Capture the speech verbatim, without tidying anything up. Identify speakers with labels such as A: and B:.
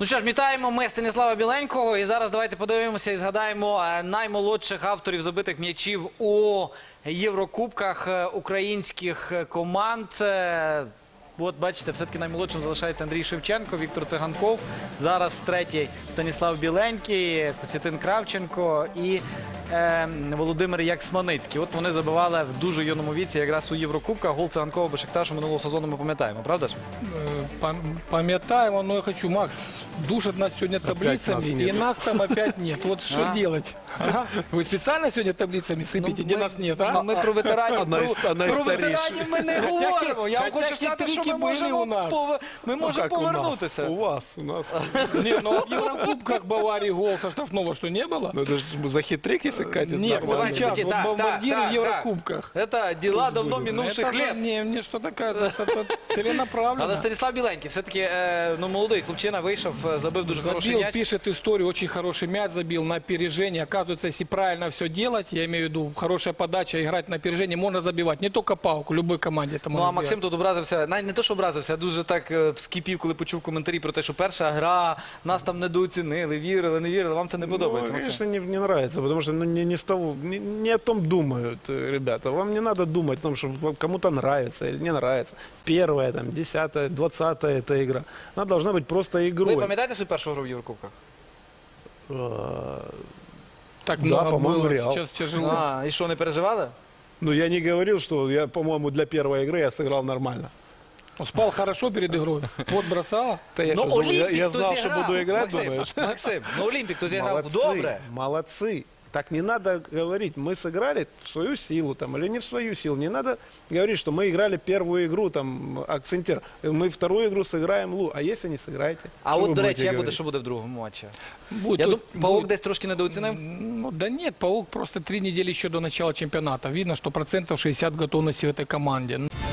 A: Ну що ж, вітаємо ми Станіслава Біленького. І зараз давайте подивимося і згадаємо наймолодших авторів забитих м'ячів у Єврокубках українських команд. От бачите, все-таки наймолодшим залишається Андрій Шевченко, Віктор Циганков. Зараз третій Станіслав Біленький, Костянтин Кравченко і е, Володимир Яксманицький. От вони забивали в дуже юному віці якраз у Єврокубках. Гол Циганкова Бешикташу минулого сезону ми пам'ятаємо, правда ж?
B: Пам'ятаємо, но я хочу, Макс, душат нас сегодня таблицами, нас и нас там опять нет. Вот что а? делать? Ага. Вы специально сегодня таблицами сыпите, ну, где мы, нас нет, а?
A: Ми про ветеранів,
C: про,
A: про ветеранів ми не говоримо. Я вам хочу сказати, що ми можемо, пов... ми можемо
C: ну,
A: повернутися.
C: У вас, у нас.
B: Не, ну в Еврокубках Баварии гол со штрафного что не было?
C: Ну это же за хитрик, если катит.
B: Нет, вот сейчас, вот бомбардир в Еврокубках.
A: Это дела давно минувших лет.
B: Не, мне что-то кажется, это целенаправленно.
A: Але Станіслав Біленький, все-таки, ну, молодий хлопчина вийшов, забив дуже хороший
B: Забил,
A: мяч.
B: пишет историю, очень хороший мяч забил на опережение. Оказывается, если правильно все делать, я имею в виду, хорошая подача, играть на опережение, можно забивать. Не только Пауку, любой команде это
A: Ну,
B: можно
A: а Максим
B: сделать.
A: тут образився, навіть не то, що образився, а дуже так вскипів, коли почув коментарі про те, що перша гра, нас там недооцінили, вірили, не вірили, вам це не подобається,
C: Ну,
A: Максим?
C: конечно, не, не нравится, потому что ну, не, не, с того, не, не о том думают ребята. Вам не надо думать о том, что кому-то нравится или не нравится. Первая, там, десятая, двадцатая эта игра. Она должна быть просто игрой.
A: Ви пам'ятаєте свою першу гру в Єврокубках?
B: Так
C: Да,
B: много
C: по-моему,
B: было,
C: Реал.
B: сейчас тяжело.
A: А, і що, не переживали?
C: Ну, я не говорил, что я, по-моему, для первой игры я сыграл нормально.
B: Он спал хорошо перед игрой. Вот бросала.
C: Да я,
A: Ну,
C: что, думал, я,
A: Олімпік
C: я
A: то
C: знал, что
A: зіграв.
C: буду играть,
A: Максим,
C: думаешь?
A: Максим, ну Олімпік то зіграв
C: Молодцы,
A: добре.
C: молодцы. Так не надо говорить, мы сыграли в свою силу там, или не в свою силу. Не надо говорить, что мы играли первую игру, там, акцентир. Мы вторую игру сыграем лу. А если не сыграете?
A: А
C: что
A: от,
C: вы
A: до
C: будете
A: речі, як буде,
C: говорить?
A: що буде в другому матчі?
B: Будет,
A: Я
B: тут
A: думаю, Паук
B: будет-
A: десь трошки недооцінив.
B: Ну, да нет, Паук просто три недели еще до начала чемпионата. Видно, что процентов шестьдесят готовности в этой команде.